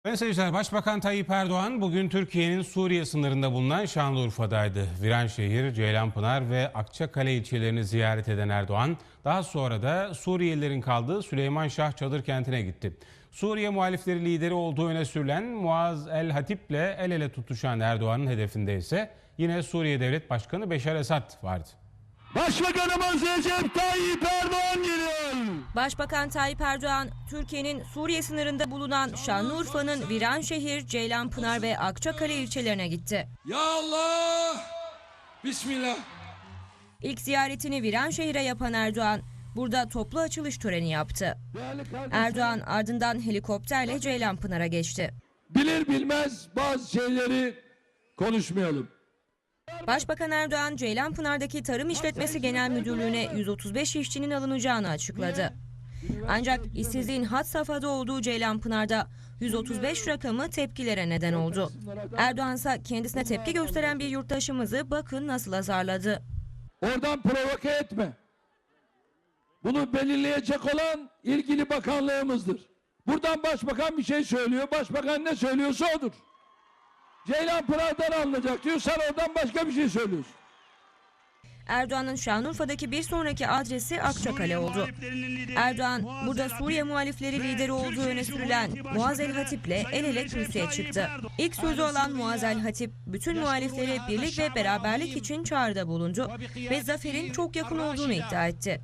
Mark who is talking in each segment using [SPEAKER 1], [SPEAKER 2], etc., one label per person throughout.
[SPEAKER 1] Sayın seyirciler, Başbakan Tayyip Erdoğan bugün Türkiye'nin Suriye sınırında bulunan Şanlıurfa'daydı. Viranşehir, Ceylanpınar ve Akçakale ilçelerini ziyaret eden Erdoğan, daha sonra da Suriyelilerin kaldığı Süleyman Şah Çadır kentine gitti. Suriye muhalifleri lideri olduğu öne sürülen Muaz El Hatip'le el ele tutuşan Erdoğan'ın hedefinde ise yine Suriye Devlet Başkanı Beşar Esad vardı.
[SPEAKER 2] Başbakanımız Recep Tayyip Erdoğan geliyor.
[SPEAKER 3] Başbakan Tayyip Erdoğan, Türkiye'nin Suriye sınırında bulunan Şanlıurfa'nın Viranşehir, Ceylanpınar ve Akçakale ilçelerine gitti.
[SPEAKER 2] Ya Allah! Bismillah.
[SPEAKER 3] İlk ziyaretini Viranşehir'e yapan Erdoğan, burada toplu açılış töreni yaptı. Erdoğan ardından helikopterle Ceylanpınar'a geçti.
[SPEAKER 2] Bilir bilmez bazı şeyleri konuşmayalım.
[SPEAKER 3] Başbakan Erdoğan, Ceylanpınar'daki Tarım İşletmesi Genel Müdürlüğü'ne 135 işçinin alınacağını açıkladı. Ancak işsizliğin had safhada olduğu Ceylanpınar'da 135 rakamı tepkilere neden oldu. Erdoğan ise kendisine tepki gösteren bir yurttaşımızı bakın nasıl azarladı.
[SPEAKER 2] Oradan provoke etme. Bunu belirleyecek olan ilgili bakanlığımızdır. Buradan başbakan bir şey söylüyor. Başbakan ne söylüyorsa odur. Ceylanpınar'dan alınacak diyor. Sen oradan başka bir şey söylüyorsun.
[SPEAKER 3] Erdoğan'ın Şanlıurfa'daki bir sonraki adresi Akçakale oldu. Erdoğan burada Suriye muhalifleri lideri olduğu öne sürülen Muaz El Hatip'le el ele kürsüye çıktı. İlk sözü olan Muaz El Hatip bütün muhalifleri birlik ve beraberlik için çağrıda bulundu ve zaferin çok yakın olduğunu iddia etti.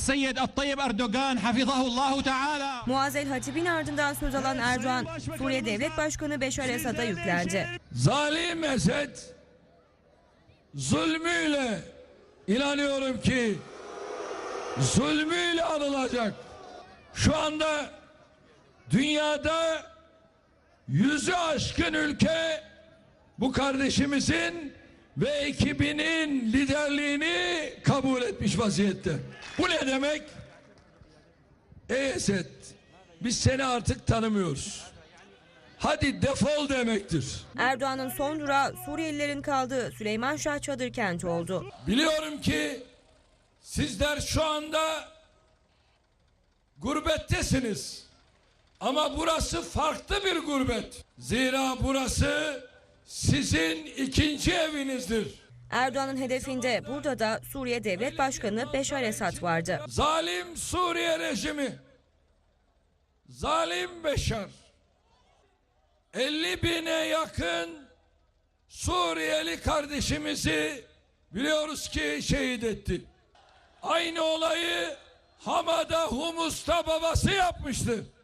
[SPEAKER 3] Muaz El Hatip'in ardından söz alan Erdoğan, Suriye Devlet Başkanı Beşar Esad'a yüklendi.
[SPEAKER 2] Zalim Esed zulmüyle, inanıyorum ki zulmüyle anılacak. Şu anda dünyada 100'ü aşkın ülke bu kardeşimizin ve ekibinin liderliğini kabul etmiş vaziyette. Bu ne demek? Ey Esed, biz seni artık tanımıyoruz. Hadi defol demektir.
[SPEAKER 3] Erdoğan'ın son durağı Suriyelilerin kaldığı Süleyman Şah Çadır kenti oldu.
[SPEAKER 2] Biliyorum ki sizler şu anda gurbettesiniz. Ama burası farklı bir gurbet. Zira burası sizin ikinci evinizdir.
[SPEAKER 3] Erdoğan'ın hedefinde burada da Suriye Devlet Başkanı Beşar Esad vardı.
[SPEAKER 2] Zalim Suriye rejimi, zalim Beşar, 50 bine yakın Suriyeli kardeşimizi biliyoruz ki şehit etti. Aynı olayı Hama'da, Humus'ta babası yapmıştı.